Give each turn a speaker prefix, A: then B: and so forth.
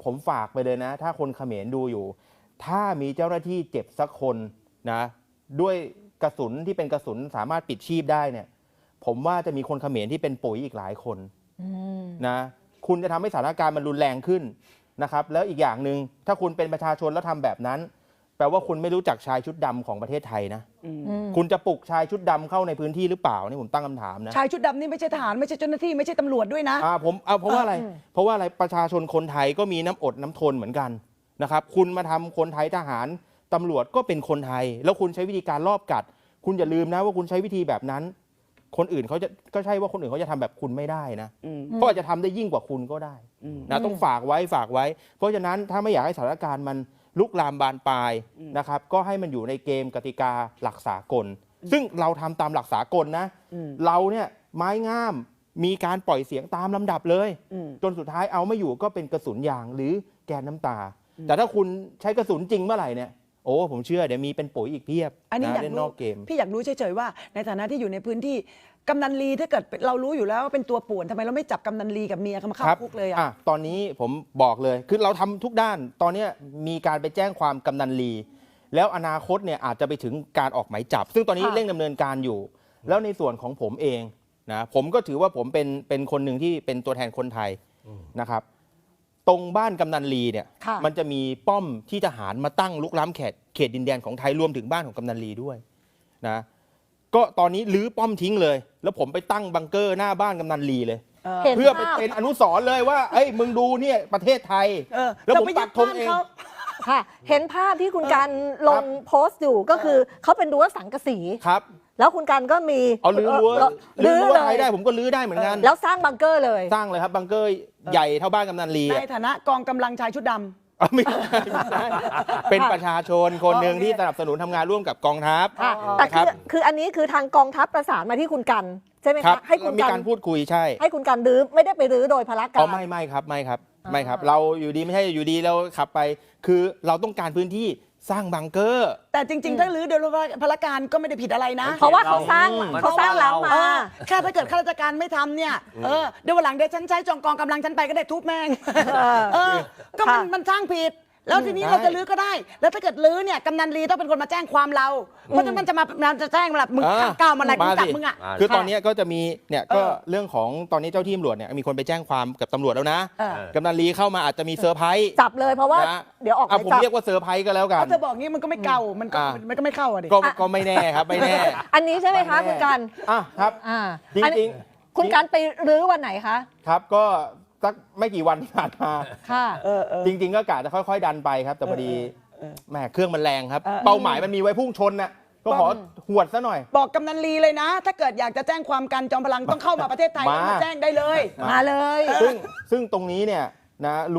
A: ผมฝากไปเลยนะถ้าคนเขมรดูอยู่ถ้ามีเจ้าหน้าที่เจ็บสักคนนะด้วยกระสุนที่เป็นกระสุนสามารถปิดชีพได้เนี่ยผมว่าจะมีคนเขมรที่เป็นปุ๋ยอีกหลายคนนะคุณจะทำให้สถานการณ์มันรุนแรงขึ้นนะครับแล้วอีกอย่างหนึ่งถ้าคุณเป็นประชาชนแล้วทำแบบนั้นแปลว่าคุณไม่รู้จักชายชุดดำของประเทศไทยนะคุณจะปลุกชายชุดดำเข้าในพื้นที่หรือเปล่านี่ผมตั้งคำถามนะ
B: ชายชุดดำนี่ไม่ใช่ทหารไม่ใช่เจ้าหน้าที่ไม่ใช่ตำรวจด้วยนะ
A: เพราะว่าอะไรประชาชนคนไทยก็มีน้ำอดน้ำทนเหมือนกันนะครับคุณมาทำคนไทยทหารตำรวจก็เป็นคนไทยแล้วคุณใช้วิธีการลอบกัดคุณอย่าลืมนะว่าคุณใช้วิธีแบบนั้นคนอื่นเขาจะก็ใช่ว่าคนอื่นเขาจะทำแบบคุณไม่ได้นะเพราะอาจจะทำได้ยิ่งกว่าคุณก็ได้นะต้องฝากไว้เพราะฉะนั้นถ้าไม่อยากให้สถานการณ์มันลุกลามบานปลายนะครับก็ให้มันอยู่ในเกมกติกาหลักสากลซึ่งเราทำตามหลักสากลนะเราเนี่ยไม้งามมีการปล่อยเสียงตามลำดับเลยจนสุดท้ายเอาไม่อยู่ก็เป็นกระสุนยางหรือแกนน้ำตาแต่ถ้าคุณใช้กระสุนจริงเมื่อไหร่เนี่ยโอ้ผมเชื่อเดี๋ยวมีเป็นปุ๋ยอีกเพียบ
B: อันนี้อยากรู้พี่อยากรู้เฉยๆว่าในฐานะที่อยู่ในพื้นที่กำนันลีถ้าเกิดเรารู้อยู่แล้วว่าเป็นตัวป่วนทำไมเราไม่จับกำนันลีกับเมียเขามาเข้าคุกเลย
A: ตอนนี้ผมบอกเลยคือเราทำทุกด้านตอนนี้มีการไปแจ้งความกำนันลีแล้วอนาคตเนี่ยอาจจะไปถึงการออกหมายจับซึ่งตอนนี้เร่งดำเนินการอยู่แล้วในส่วนของผมเองนะผมก็ถือว่าผมเป็นคนหนึ่งที่เป็นตัวแทนคนไทยนะครับตรงบ้านกำนันลีเนี่ยมันจะมีป้อมที่ทหารมาตั้งลุกล้ำเขตดินแดนของไทยรวมถึงบ้านของกำนันลีด้วยนะก็ตอนนี้รื้อป้อมทิ้งเลยแล้วผมไปตั้งบังเกอร์หน้าบ้านกำนันลีเลยเพื่อเป็นอนุสรณ์เลยว่าเอ้ยมึงดูเนี่ยประเทศไทยแล้วผมปักธงเอง
C: ค่ะเห็นภาพที่คุณการลงโพสต์อยู่ก็คือเขาเป็นรั้วสังกะสี
A: ครับ
C: แล้วคุณการก็มี
A: รื้อไทยได้ผมก็รื้อได้เหมือนกัน
C: แล้วสร้างบังเกอร์เลย
A: สร้างเลยครับบังเกอร์ใหญ่เท่าบ้านกำนันลี
B: ในฐานะกองกำลังชายชุดดำ
A: ไม่ใช่เป็นประชาชนคนหนึ่งที่สนับสนุนทำงานร่วมกับกองทัพ
C: แต่คืออันนี้คือทางกองทัพประสานมาที่คุณกันใช่ไหมคะให้คุณ
A: กันมีการพูดคุยใช่
C: ให้คุณกันรื้อไม่ได้ไปรื้อโดยพละการ
A: ไม่ครับเราอยู่ดีไม่ใช่อยู่ดีเราขับไปคือเราต้องการพื้นที่สร้างบังเกอร์
B: แต่จริงๆถ้ารื้อโดยพละการก็ไม่ได้ผิดอะไรนะ
C: เพราะว่าเขาสร้างหลังมา
B: แค่ถ้าเกิดข้าราชการไม่ทำเนี่ยเดี๋ยววันหลังเดี๋ยวฉันใช้จองกองกำลังฉันไปก็ได้ทุบแม่งก็มันสร้างผิดแล้วทีนี้เราจะรื้อก็ได้แล้วถ้าเกิดรื้อเนี่ยกำนันลีต้องเป็นคนมาแจ้งความเราเพราะฉะนั้นมันจะแจ้งแบบมึงก้าวมาอะไรกูจับมึงอ่ะ
A: คือตอนนี้ก็จะมีเนี่ยก็เรื่องของตอนนี้เจ้าที่ตำรวจเนี่ยมีคนไปแจ้งความกับตำรวจแล้วนะกำนันลีเข้ามาอาจจะมีเซอร์ไพรส์
C: จับเลยเพราะว่าเดี๋ยวออก
A: ผมเรียกว่าเซอร์ไพรส์ก็แล้วกัน
B: ถ้าเธอบอกงี้มันก็ไม่เก่ามันก็ไม่เข้าอ่ะดิ
A: ก็ไม่แน่ครับไม่แน่
C: อันนี้ใช่ไหมคะคุณกัน
A: ครับจริง
C: ๆคุณกันไปรื้อวันไหนคะ
A: ครับก็สักไม่กี่วันที่ผ่านมา
C: ค่ะ
A: จริงๆก็กะจะค่อยๆดันไปครับแต่พอดีแหมเครื่องมันแรงครับเป้าหมายมันมีไว้พุ่งชนน่ะก็ขอหวดซะหน่อย
B: บอกกำนันลีเลยนะถ้าเกิดอยากจะแจ้งความกันจอมพลังต้องเข้ามาประเทศไทยมาแจ้งได้เลย
C: มาเลย
A: ซึ่งตรงนี้เนี่ยนะ